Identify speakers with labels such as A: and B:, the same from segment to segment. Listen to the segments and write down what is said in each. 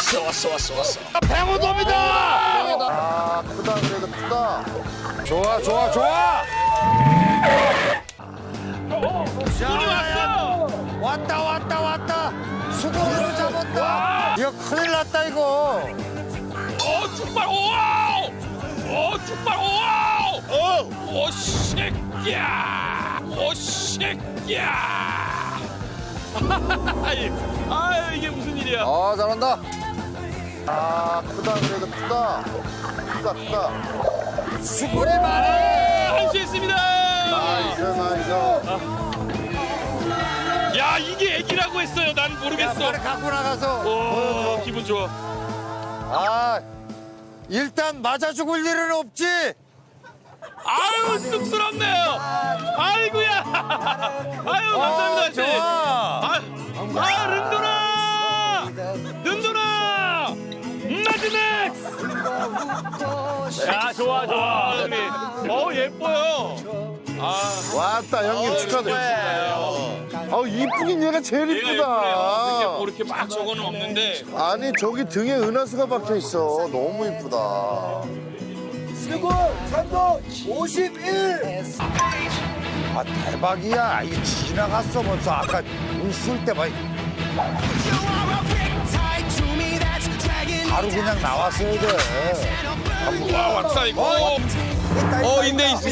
A: 왔어. 뱅어돔이다.
B: 아, 크다, 그래도 크다.
C: 좋아.
A: 손이 왔어.
B: 왔다. 수공으로 잡았다. 이거 큰일 났다, 이거.
A: 죽발 오와우. 죽발 오와우. 오 새끼야. 아유 이게 무슨 일이야?
C: 아, 잘한다.
B: 아, 크다, 그래도 크다. 크다.
C: 수고리 많네.
A: 할 수 있습니다.
B: 나이스.
A: 야 이게 애기라고 했어요. 난 모르겠어.
B: 빨리 갖고 나가서.
A: 오 기분 좋아.
B: 아, 일단 맞아 죽을 일은 없지.
A: 아유 쑥스럽네요. 아이고야. 아유 감사합니다. 아저씨.
B: 좋아.
A: 른도나. 마지막스. 야 좋아 형님. 예뻐요.
B: 왔다, 형님 축하드립니다. 이쁘긴 얘가 제일
A: 얘가 예쁘네요.
B: 이쁘다.
A: 뭐 이렇게 막 저거는 없는데.
B: 아니, 저기 등에 은하수가 박혀 있어. 너무 이쁘다. 아, 대박이야. 이게 지나갔어, 벌써. 아까 웃을 때 막. 바로 그냥 나왔어야 돼.
A: 와 왔다 이거. 있네 있어.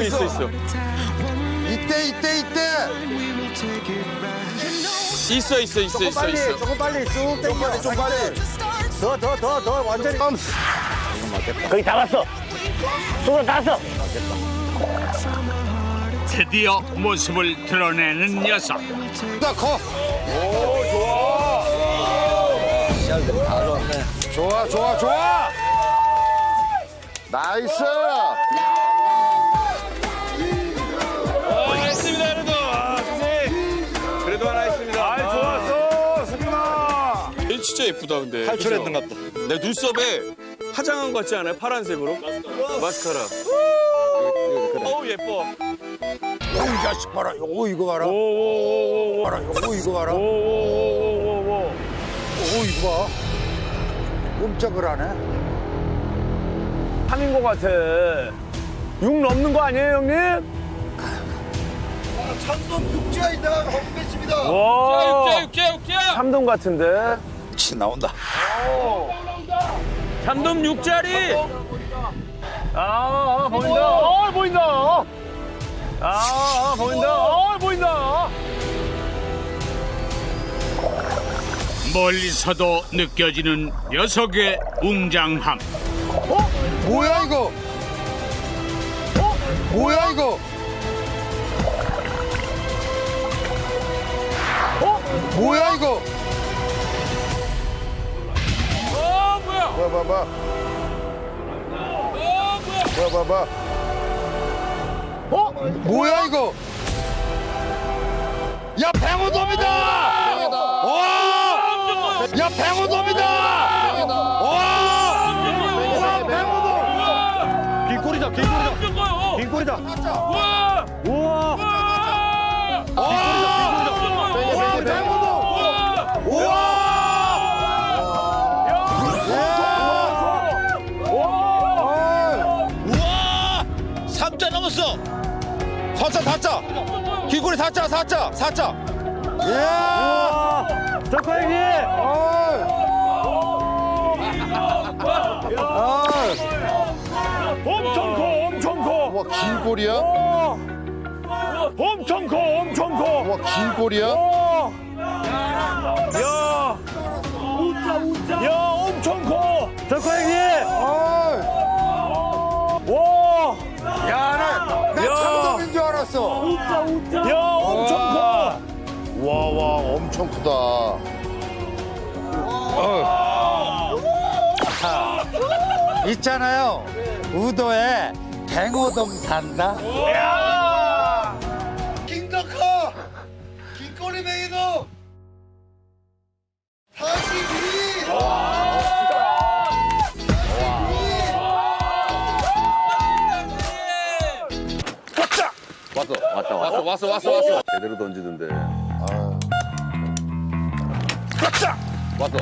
B: 이때.
A: 있어.
B: 조금 빨리 쭉 당겨. 좀 빨리. 더 완전히.
D: 거의 다 왔어. 손으로 다 왔어.
E: 드디어 모습을 드러내는 녀석.
B: 나 커. 좋아. 나이스.
A: 했습니다 그래도. 선생님. 그래도 하나 했습니다.
C: 좋았어, 수빈아.
A: 얘 진짜 예쁘다 근데.
C: 탈출했는 것 같다.
A: 내 눈썹에 화장한 것 같지 않아요? 파란색으로? 마스카라. 예뻐.
B: 이 자식 봐라. 이거 봐라. 봐라. 이거 봐라. 이거 봐. 꼼짝을 안 해.
D: 3인 것 같아. 6 넘는 거 아니에요, 형님?
B: 육지아이다. 헛배집니다.
D: 와.
A: 육자.
D: 3동 같은데?
C: 치 나온다.
A: 삼돔 육자리.
D: 보인다. 보인다. 보인다.
E: 멀리서도 느껴지는 녀석의 웅장함.
B: 뭐야 이거? 뭐야 이거? 뭐야 이거?
A: 뭐야?
B: 봐봐. 뭐야 이거? 야, 뱅어돔이다! 와! 야, 뱅어돔이다! 와, 뱅어돔!
D: 길거리다. 길거리다.
A: 우와!
D: 우와.
B: 와, 뱅어돔! 우와!
C: 우와! 3자 넘었어. 4자. 길거리 4자.
B: 야!
D: 덕호 형님. 엄청 커.
B: 와, 긴 꼬리야?
D: 엄청 커.
B: 와, 긴 꼬리야?
D: 야, 엄청 커. 덕호 형님. 와.
B: 나 참돔인 줄 알았어.
D: 야, 엄청 커.
B: 와, 엄청 크다. 있잖아요. 우도에 뱅어돔 산다. 김덕호! 김꼬리 뱅이돔! 42!
C: 왔어.
F: 제대로 던지던데.
D: 왔다.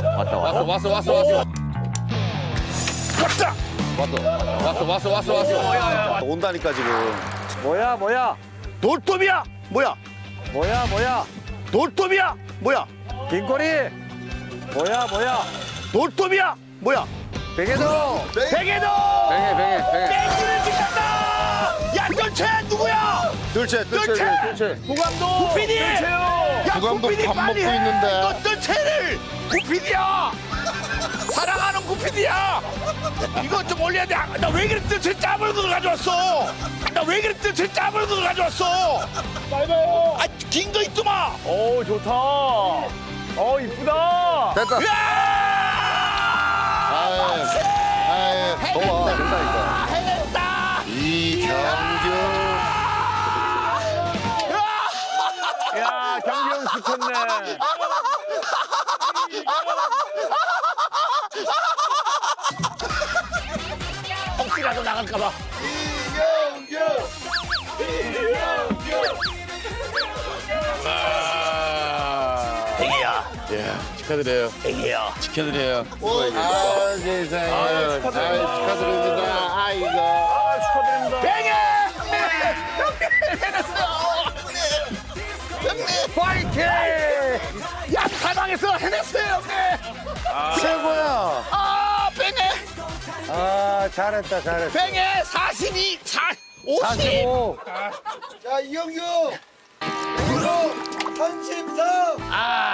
C: 온다니까 지금.
D: 뭐야?
C: 돌돔이야. 뭐야?
D: 뭐야?
C: 돌돔이야. 뭐야?
D: 긴꼬리. 뭐야?
C: 돌돔이야. 뭐야?
D: 베개도.
C: 베개도.
D: 뱅해.
C: 땡기를 짓는다. 야, 뜰채 누구야? 뜰채. 구감독. 구피디. 야,
B: 구감독
C: 구피디
B: 밥
C: 빨리
B: 먹고
C: 해.
B: 있는데.
C: 너 뜰채를. 구피디야. 사랑하는 구피디야. 이거 좀 올려야 돼. 나 왜 그래 뜰채 짬을 그걸 가져왔어. 나 왜 그래 뜰채 짬을 그걸 가져왔어. 빨리봐요. 아, 긴 거 있더마.
D: 오, 좋다. 이쁘다.
B: 됐다. 더워. 된다니까.
C: 해냈다.
B: 이경규.
D: 야, 경기형 시켰네.
C: 혹시라도 나갈까봐.
B: 축하드려요.
C: 애기야.
B: 축하드려요.
C: 아, 세상에.
B: 축하드립니다. 아이고.
D: 축하드립니다.
C: 뱅해! 해냈어요! 형님! 파이팅! 야, 사방에서 해냈어요, 형님!
B: 최고야.
C: 아, 뱅해!
D: 아, 잘했다.
C: 뱅해! 42, 50!
D: 45.
F: 자, 이영규! 이거 33!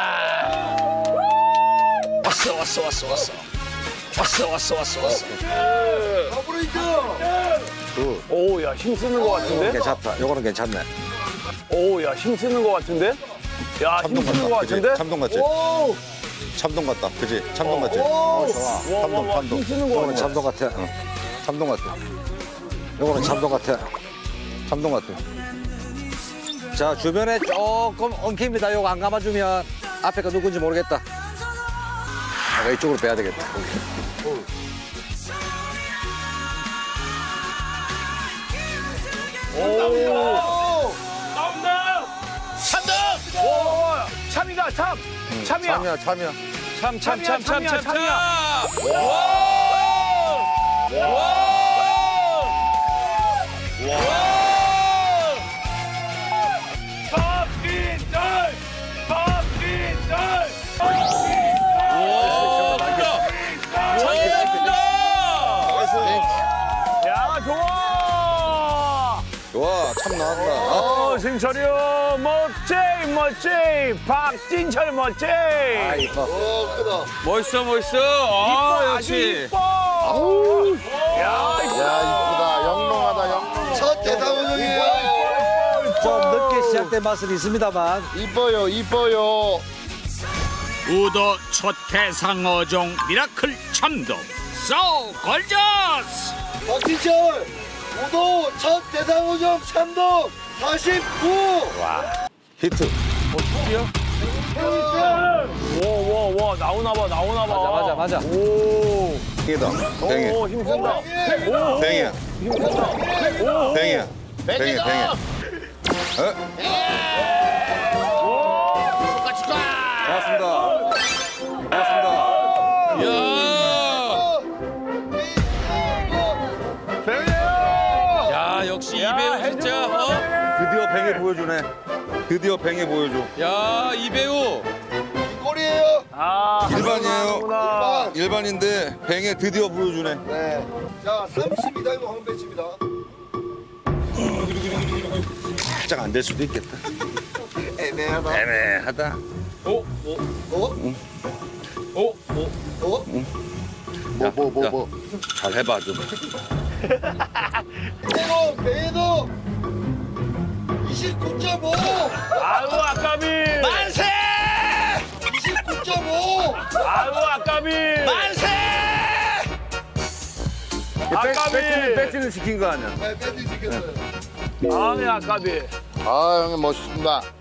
C: 왔어.
F: 더블레이드!
D: 오, 야, 힘 쓰는 것 같은데?
B: 괜찮다. 요거는 괜찮네.
D: 오, 야, 힘 쓰는 것 같은데? 야, 힘
B: 참돔
D: 쓰는 것
B: 같다. 그지?
D: 같은데?
B: 참돔 같지?
F: 오!
B: 참돔 같다. 그지? 참돔 같지?
F: 오!
D: 와, 힘 쓰는 것
B: 요거는
D: 같아.
B: 참돔 같아. 참돔 같아. 요거는 참돔 같아. 참돔 같아.
G: 자, 주변에 조금 엉킵니다. 요거 안 감아주면 앞에가 누군지 모르겠다. 내가 이쪽으로 빼야 되겠다.
C: 참이다, 참! 참이야.
B: 참이야.
D: 야, 좋아!
B: 좋아. 참 나왔다.
D: 승철이 형, 멋쟁이! 박진철 멋쟁이!
F: 오, 크다.
A: 멋있어. 아, 역시.
B: 야, 이쁘다. 영롱하다. 영롱.
F: 첫 대상호정이에요.
G: 좀 늦게 시작된 맛은 있습니다만
B: 이뻐요.
E: 우도 첫 대상 어종 미라클 참돔. So gorgeous!
F: 박진철! 우도 첫 대상호정 3도 49!
B: 히트.
D: 와, 나오나 봐.
G: 맞아.
D: 오,
B: 뱅이다. 뱅이.
D: 오, 힘쓴다.
B: 뱅이야. 뱅이야. 뱅이. 고맙습니다.
A: 야, 역시 이배우 진짜.
B: 드디어 뱅이 보여주네. 드디어 뱅이 보여줘.
A: 야, 이배우.
F: 골이에요.
D: 아,
B: 일반이에요. 일반인데 뱅에 드디어 보여주네.
F: 네. 자, 30m 이거 황배치입니다.
B: 살짝 안 될 수도 있겠다.
F: 애매하다.
B: 애매하다.
F: 어? 뭐?
B: 잘 해봐 좀.
F: 배도 29.5!
D: 아유, 아까비.
C: 만세!
F: 29.5!
D: 아유, 아까비.
C: 만세!
B: 배치는 시킨 거 아니야?
F: 네, 밴드 지켰어요.
D: 아니, 아까비.
B: 아 형님 멋있습니다.